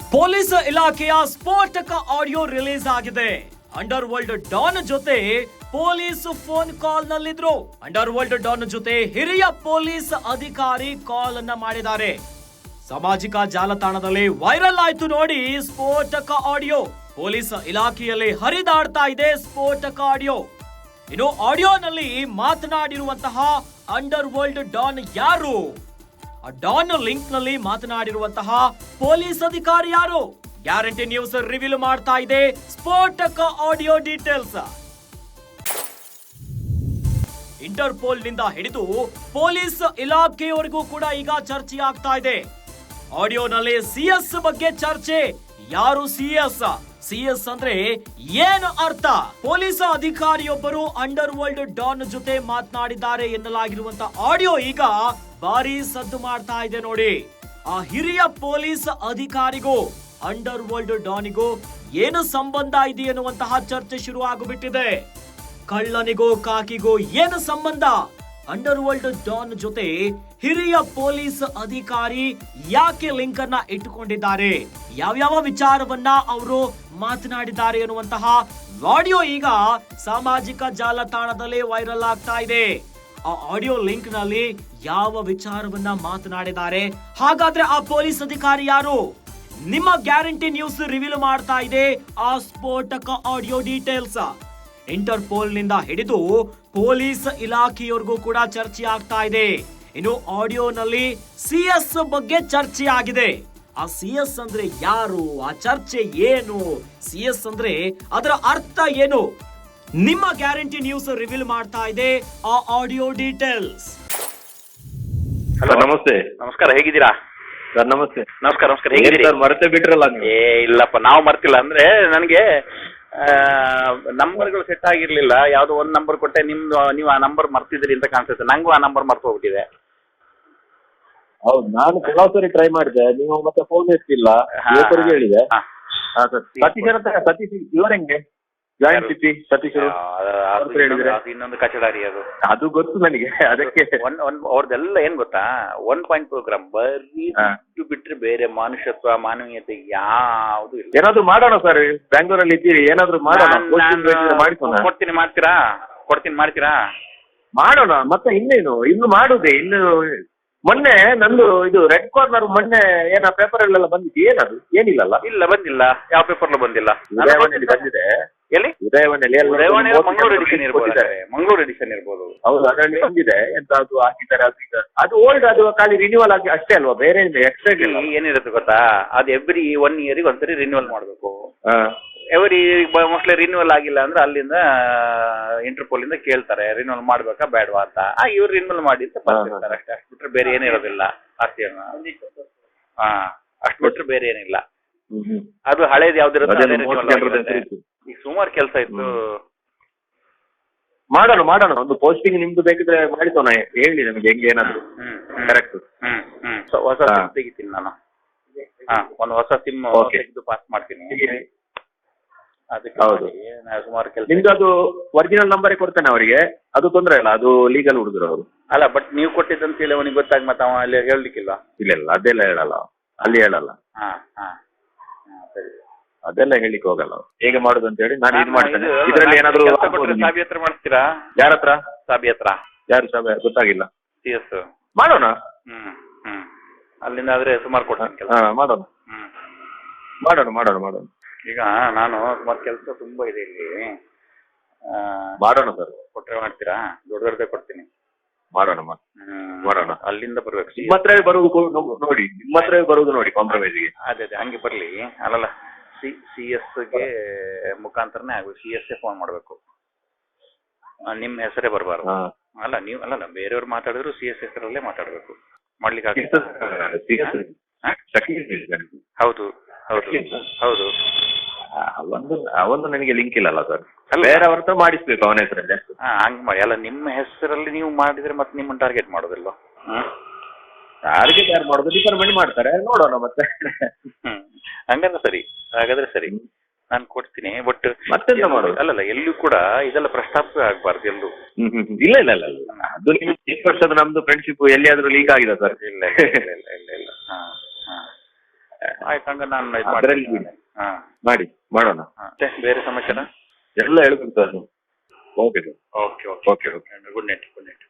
Police ಇಲಾಖೆಯ ಸ್ಫೋಟಕ audio release ಆಗಿದೆ. ಅಂಡರ್ ವರ್ಲ್ಡ್ ಡಾನ್ ಜೊತೆ ಪೊಲೀಸ್ ಫೋನ್ ಕಾಲ್ ನಲ್ಲಿದ್ರು. ಅಂಡರ್ ವರ್ಲ್ಡ್ ಡಾನ್ ಜೊತೆ ಹಿರಿಯ ಪೊಲೀಸ್ ಅಧಿಕಾರಿ ಕಾಲ್ ಅನ್ನ ಮಾಡಿದ್ದಾರೆ. ಸಾಮಾಜಿಕ ಜಾಲತಾಣದಲ್ಲಿ ವೈರಲ್ ಆಯ್ತು ನೋಡಿ ಸ್ಫೋಟಕ ಆಡಿಯೋ. ಪೊಲೀಸ್ ಇಲಾಖೆಯಲ್ಲಿ ಹರಿದಾಡ್ತಾ ಇದೆ ಸ್ಫೋಟಕ ಆಡಿಯೋ. ಇನ್ನು ಆಡಿಯೋನಲ್ಲಿ ಮಾತನಾಡಿರುವಂತಹ ಅಂಡರ್ ವರ್ಲ್ಡ್ ಡಾನ್ ಯಾರು? ಆ ಡಾನ್ ಲಿಂಕ್ ನಲ್ಲಿ ಮಾತನಾಡಿರುವಂತಹ ಪೊಲೀಸ್ ಅಧಿಕಾರಿ ಯಾರು? ಗ್ಯಾರಂಟಿ ನ್ಯೂಸ್ ರಿವೀಲ್ ಮಾಡ್ತಾ ಇದೆ ಸ್ಫೋಟಕ ಆಡಿಯೋ ಡೀಟೇಲ್ಸ್. ಇಂಟರ್ಪೋಲ್ ನಿಂದ ಹಿಡಿದು ಪೊಲೀಸ್ ಇಲಾಖೆಯವರೆಗೂ ಕೂಡ ಈಗ ಚರ್ಚೆ ಆಗ್ತಾ ಇದೆ. ಆಡಿಯೋನಲ್ಲಿ ಸಿಎಸ್ ಬಗ್ಗೆ ಚರ್ಚೆ. ಯಾರು ಸಿಎಸ್? ಸಿಎಸ್ ಅಂದ್ರೆ ಏನು ಅರ್ಥ? ಪೊಲೀಸ್ ಅಧಿಕಾರಿಯೊಬ್ಬರು ಅಂಡರ್ ವರ್ಲ್ಡ್ ಡಾನ್ ಜೊತೆ ಮಾತನಾಡಿದ್ದಾರೆ ಎನ್ನಲಾಗಿರುವಂತ ಆಡಿಯೋ ಈಗ ಭಾರಿ ಸದ್ದು ಮಾಡ್ತಾ ಇದೆ ನೋಡಿ. ಆ ಹಿರಿಯ ಪೊಲೀಸ್ ಅಧಿಕಾರಿಗೂ ಅಂಡರ್ ವರ್ಲ್ಡ್ ಡಾನಿಗೂ ಏನು ಸಂಬಂಧ ಇದೆ ಎನ್ನುವಂತಹ ಚರ್ಚೆ ಶುರು ಆಗಿಬಿಟ್ಟಿದೆ. ಕಳ್ಳನಿಗೂ ಕಾಕಿಗೂ ಏನು ಸಂಬಂಧ? ಅಂಡರ್ ವರ್ಲ್ಡ್ ಡಾನ್ ಜೊತೆ ಹಿರಿಯ ಪೊಲೀಸ್ ಅಧಿಕಾರಿ ಯಾಕೆ ಲಿಂಕ್ ಅನ್ನ ಇಟ್ಟುಕೊಂಡಿದ್ದಾರೆ? ಯಾವ್ಯಾವ ವಿಚಾರವನ್ನ ಅವರು ಮಾತನಾಡಿದ್ದಾರೆ ಎನ್ನುವಂತಹ ಆಡಿಯೋ ಈಗ ಸಾಮಾಜಿಕ ಜಾಲತಾಣದಲ್ಲಿ ವೈರಲ್ ಆಗ್ತಾ ಇದೆ. ಆ ಆಡಿಯೋ ಲಿಂಕ್ ನಲ್ಲಿ ಯಾವ ವಿಚಾರವನ್ನ ಮಾತನಾಡಿದ್ದಾರೆ? ಹಾಗಾದ್ರೆ ಆ ಪೊಲೀಸ್ ಅಧಿಕಾರಿ ಯಾರು? ನಿಮ್ಮ ಗ್ಯಾರಂಟಿ ನ್ಯೂಸ್ ರಿವೀಲ್ ಮಾಡ್ತಾ ಇದೆ ಆ ಸ್ಫೋಟಕ ಆಡಿಯೋ ಡೀಟೇಲ್ಸ್. ಇಂಟರ್ಪೋಲ್ ನಿಂದ ಹಿಡಿದು ಪೊಲೀಸ್ ಇಲಾಖೆಯವರೆಗೂ ಕೂಡ ಚರ್ಚೆ ಆಗ್ತಾ ಇದೆ. ಇನ್ನು ಆಡಿಯೋನಲ್ಲಿ ಸಿಎಸ್ ಬಗ್ಗೆ ಚರ್ಚೆ ಆಗಿದೆ. ಆ ಸಿಎಸ್ ಅಂದ್ರೆ ಯಾರು? ಆ ಚರ್ಚೆ ಏನು? ಸಿಎಸ್ ಅಂದ್ರೆ ಅದರ ಅರ್ಥ ಏನು? ನಿಮ್ಮ ಗ್ಯಾರಂಟಿ ನ್ಯೂಸ್ ರಿವೀಲ್ ಮಾಡ್ತಾ ಇದೆ ಆ ಆಡಿಯೋ ಡೀಟೇಲ್ಸ್. ಹಲೋ, ನಮಸ್ತೆ. ನಮಸ್ಕಾರ, ಹೇಗಿದ್ದೀರಾ ಸರ್? ನಮಸ್ತೆ. ನಮಸ್ಕಾರ ನಮಸ್ಕಾರ, ಹೇಗಿದ್ದೀರಿ? ಮರೆತೇ ಬಿಟ್ರಲ್ಲ ನೀವು? ಇಲ್ಲಪ್ಪ, ನಾವು ಮರ್ತಿಲ್ಲ. ಅಂದ್ರೆ ನನಗೆ ನಂಬರ್ಗಳು ಸೆಟ್ ಆಗಿರ್ಲಿಲ್ಲ. ಯಾವ್ದೋ ಒಂದ್ ನಂಬರ್ ಕೊಟ್ಟೆ, ನೀವು ಆ ನಂಬರ್ ಮರ್ತಿದ್ರಿ ಅಂತ ಕಾಣಿಸುತ್ತೆ. ನಂಗೂ ಆ ನಂಬರ್ ಮರ್ತು ಹೋಗ್ಬಿಟ್ಟಿದೆ. ಹೌದು, ನಾನು ಕೆಲವು ಸರಿ ಟ್ರೈ ಮಾಡಿದೆ, ನೀವು ಮತ್ತೆ ಫೋನ್ ಎತ್ತಿಲ್ಲ. ಯುವಕರಿಗೆ ಹೇಳಿದೆ. ಸತೀಶ್ ಇವ್ರ ಹೆಂಗೆ ಜಾಯಿಂಟ್ ಸಿಟಿ ಸತೀಶ್ ಇನ್ನೊಂದು ಕಚಡಾರಿ ಅದು ಗೊತ್ತು ನನಗೆ. ಅದಕ್ಕೆ ಅವ್ರದ್ದೆಲ್ಲ ಏನ್ ಗೊತ್ತಾ, 1 ಪ್ರೋಗ್ರಾಮ್ ಬರೀ ಬಿಟ್ರೆ ಬೇರೆ ಮನುಷ್ಯತ್ವ ಮಾನವೀಯತೆ ಯಾವುದು ಇಲ್ಲ. ಏನಾದ್ರು ಮಾಡೋಣ ಸರ್, ಬ್ಯಾಂಗ್ಳೂರಲ್ಲಿ ಇದ್ದೀರಿ, ಏನಾದ್ರು ಮಾಡೋಣ. ಕೊಡ್ತೀನಿ, ಮಾಡ್ತೀರಾ? ಮಾಡೋಣ. ಮತ್ತೆ ಇನ್ನೇನು, ಇನ್ನು ಮಾಡುದೇ. ಇನ್ನು ಮೊನ್ನೆ ನಂದು ಇದು ರೆಡ್ ಕಾರ್ನರ್ ಮೊನ್ನೆ ಏನ ಪೇಪರ್ ಅಲ್ಲೆಲ್ಲ ಬಂದಿದ್ದು, ಏನದು? ಏನಿಲ್ಲಲ್ಲ. ಇಲ್ಲ, ಬಂದಿಲ್ಲ. ಯಾವ ಪೇಪರ್ಲು ಬಂದಿಲ್ಲ. ಉದಯವಾಣಿಯಲ್ಲಿ ಬಂದಿದೆ. ಎಲ್ಲಿ? ಉದಯವಾಣಿಯಲ್ಲಿ ಮಂಗಳೂರು ಎಡಿಷನ್ ಇರ್ಬೋದು. ಹೌದು, ಅದರಲ್ಲಿ ಬಂದಿದೆ. ಎಂತ ಅದು ಹಾಕಿದ್ದಾರೆ, ಅದು ಓಲ್ಡ್, ಅದು ಖಾಲಿ ರಿನ್ಯೂವಲ್ ಆಗಿ ಅಷ್ಟೇ ಅಲ್ವಾ, ಬೇರೆ ಎಕ್ಸ್ಟ್ರಾ ಏನಿರುತ್ತೆ ಗೊತ್ತಾ? ಅದು ಎವ್ರಿ 1 ಇಯರ್ಗೆ ಒಂದ್ಸರಿ ರಿನ್ಯೂವಲ್ ಮಾಡ್ಬೇಕು. ಎವ್ರಿ ಮೋಸ್ಟ್ಲಿ ರಿನ್ಯೂವಲ್ ಆಗಿಲ್ಲ ಅಂದ್ರೆ ಅಲ್ಲಿಂದ ಇಂಟರ್ಪೋಲ್ ಇಂದ ಕೇಳ್ತಾರೆ ರಿನ್ಯೂವಲ್ ಮಾಡ್ಬೇಕಾ ಬೇಡವಾ ಅಂತ. ಇವ್ರು ರಿನ್ಯೂವಲ್ ಮಾಡಿ ಅಂತ ಬರ್ತಿರ್ತಾರೆ ಅಷ್ಟೇ. ಅಷ್ಟು ಬಿಟ್ರೆ ಬೇರೆ ಏನಿರೋದಿಲ್ಲ ಆಸ್ತಿಯನ್ನ. ಅಷ್ಟು ಬಿಟ್ರೆ ಬೇರೆ ಏನಿಲ್ಲ. ಅದು ಹಳೇದು ಯಾವ್ದಿರುತ್ತೆ. ಈಗ ಸುಮಾರು ಕೆಲಸ ಇತ್ತು. ಮಾಡೋಣ. ಒಂದು ಪೋಸ್ಟಿಂಗ್ ನಿಮ್ದು ಬೇಕಿದ್ರೆ ಮಾಡಿಸೋಣ. ಹೇಳಿ ನಮ್ಗೆ ಹೆಂಗೆ ಏನಾದ್ರು. ಕರೆಕ್ಟ್. ಹೊಸ ಸಿಮ್ ತೆಗಿತೀನಿ ನಾನು. ಒಂದು ಹೊಸ ಸಿಮ್ ತೆಗೆದು ಪಾಸ್ ಮಾಡ್ತೀನಿ. ಹೌದು, ಸುಮಾರು ಕೆಲಸ. ನಿಮ್ದು ಅದು ಒರಿಜಿನಲ್ ನಂಬರೇ ಕೊಡ್ತೇನೆ ಅವರಿಗೆ, ಅದು ತೊಂದ್ರೆ ಇಲ್ಲ. ಅದು ಲೀಗಲ್ ಹುಡುಗರು ಅವರು. ಅಲ್ಲ, ಬಟ್ ನೀವು ಕೊಟ್ಟಿದ್ದಂತ ಹೇಳಿ ಅವನಿಗೆ ಗೊತ್ತಾಗಿ ಮತ್ತೆ ಅವ ಅಲ್ಲಿ ಹೇಳಲಿಕ್ಕಿಲ್ಲ. ಇಲ್ಲ, ಅದೆಲ್ಲ ಹೇಳಲ್ಲ, ಅಲ್ಲಿ ಹೇಳಲ್ಲ. ಸರಿ, ಅದೆಲ್ಲ ಹೇಳಿಕ್ ಹೋಗಲ್ಲ. ಹೇಗೆ ಮಾಡುದು ಅಂತ ಹೇಳಿ ನಾನು ಇದು ಮಾಡ್ತೇನೆ. ಇದರಲ್ಲಿ ಏನಾದ್ರು ಸಾಬಿ ಹತ್ರ ಮಾಡ್ತೀರಾ? ಯಾರ ಹತ್ರ? ಸಾಬಿ ಹತ್ರ. ಯಾರು ಸಾಬಿ? ಗೊತ್ತಾಗಿಲ್ಲ. ಸಿಎಸ್ ಮಾಡೋಣ. ಅಲ್ಲಿಂದ ಆದ್ರೆ ಸುಮಾರು ಕೊಡ್ತೀನಿ. ಮಾಡೋಣ. ಈಗ ನಾನು ಸುಮಾರು ಕೆಲಸ ತುಂಬಾ ಇದೆ ಇಲ್ಲಿ. ಮಾಡೋಣ ಸರ್. ಕೊಟ್ರೆ ಮಾಡ್ತೀರಾ? ದೊಡ್ಡದೇ ಕೊಡ್ತೀನಿ. ಮಾಡೋಣ. ಅಲ್ಲಿಂದ ಬರ್ಬೇಕು. ನಿಮ್ಮ ಹತ್ರವೇ ಬರುವುದು ನೋಡಿ ಕಾಂಪ್ರಮೈಸ್ಗೆ. ಅದೇ ಹಂಗೆ ಬರ್ಲಿ. ಅಲ್ಲಲ್ಲ, ಸಿಎಸ್ಗೆ ಮುಖಾಂತರನೇ ಆಗ್ಬೇಕು. ಸಿಎಸ್ಗೆ ಫೋನ್ ಮಾಡ್ಬೇಕು. ನಿಮ್ಮ ಹೆಸರೇ ಬರಬಾರ್ದು. ಅಲ್ಲ ಬೇರೆಯವ್ರು ಮಾತಾಡಿದ್ರು ಸಿಎಸ್ ಹೆಸರಲ್ಲೇ ಮಾತಾಡ್ಬೇಕು. ಮಾಡ್ಲಿಕ್ಕೆ ಹೌದು. ಅವಂದು ನನಗೆ ಲಿಂಕ್ ಇಲ್ಲಲ್ಲ ಸರ್. ಬೇರೆಯವ್ರ ಹತ್ರ ಮಾಡಿಸ್ಬೇಕು ಅವನ ಹೆಸರಲ್ಲಿ. ಹಂಗ್ ಮಾಡಿ. ಅಲ್ಲ, ನಿಮ್ಮ ಹೆಸರಲ್ಲಿ ನೀವು ಮಾಡಿದ್ರೆ ಮತ್ತೆ ನಿಮ್ಮನ್ನ ಟಾರ್ಗೆಟ್ ಮಾಡೋದಿಲ್ಲ. ಟಾರ್ಗೆಟ್ ಯಾರು ಮಾಡೋದು? ಡಿಪಾರ್ಟ್ಮೆಂಟ್ ಮಾಡ್ತಾರೆ, ನೋಡೋಣ ಮತ್ತೆ. ಹಾಗಾದ್ರೆ ಸರಿ, ನಾನು ಕೊಡ್ತೀನಿ. ಬಟ್ ಮತ್ತೆಂತ ಮಾಡೋದು? ಅಲ್ಲಲ್ಲ, ಎಲ್ಲೂ ಕೂಡ ಇದೆಲ್ಲ ಪ್ರಸ್ತಾಪವೇ ಆಗ್ಬಾರ್ದು ಎಲ್ಲೂ. ಇಲ್ಲ. ಅದು ನಿಮ್ಗೆ 20 ವರ್ಷದ ನಮ್ದು ಫ್ರೆಂಡ್ಶಿಪ್ ಎಲ್ಲಿಯಾದ್ರೂ ಲೀಕ್ ಆಗಿದೆ ಸರ್? ಇಲ್ಲ. ಆಯ್ತು ಹಂಗ ನಾನು ಅದ್ರಲ್ಲಿ ಹಾ ಮಾಡೋಣ. ಮತ್ತೆ ಬೇರೆ ಸಮಾಚಾರ ಎಲ್ಲ ಹೇಳ್ಬೇಕು sir. Okay sir. Okay okay okay okay good night.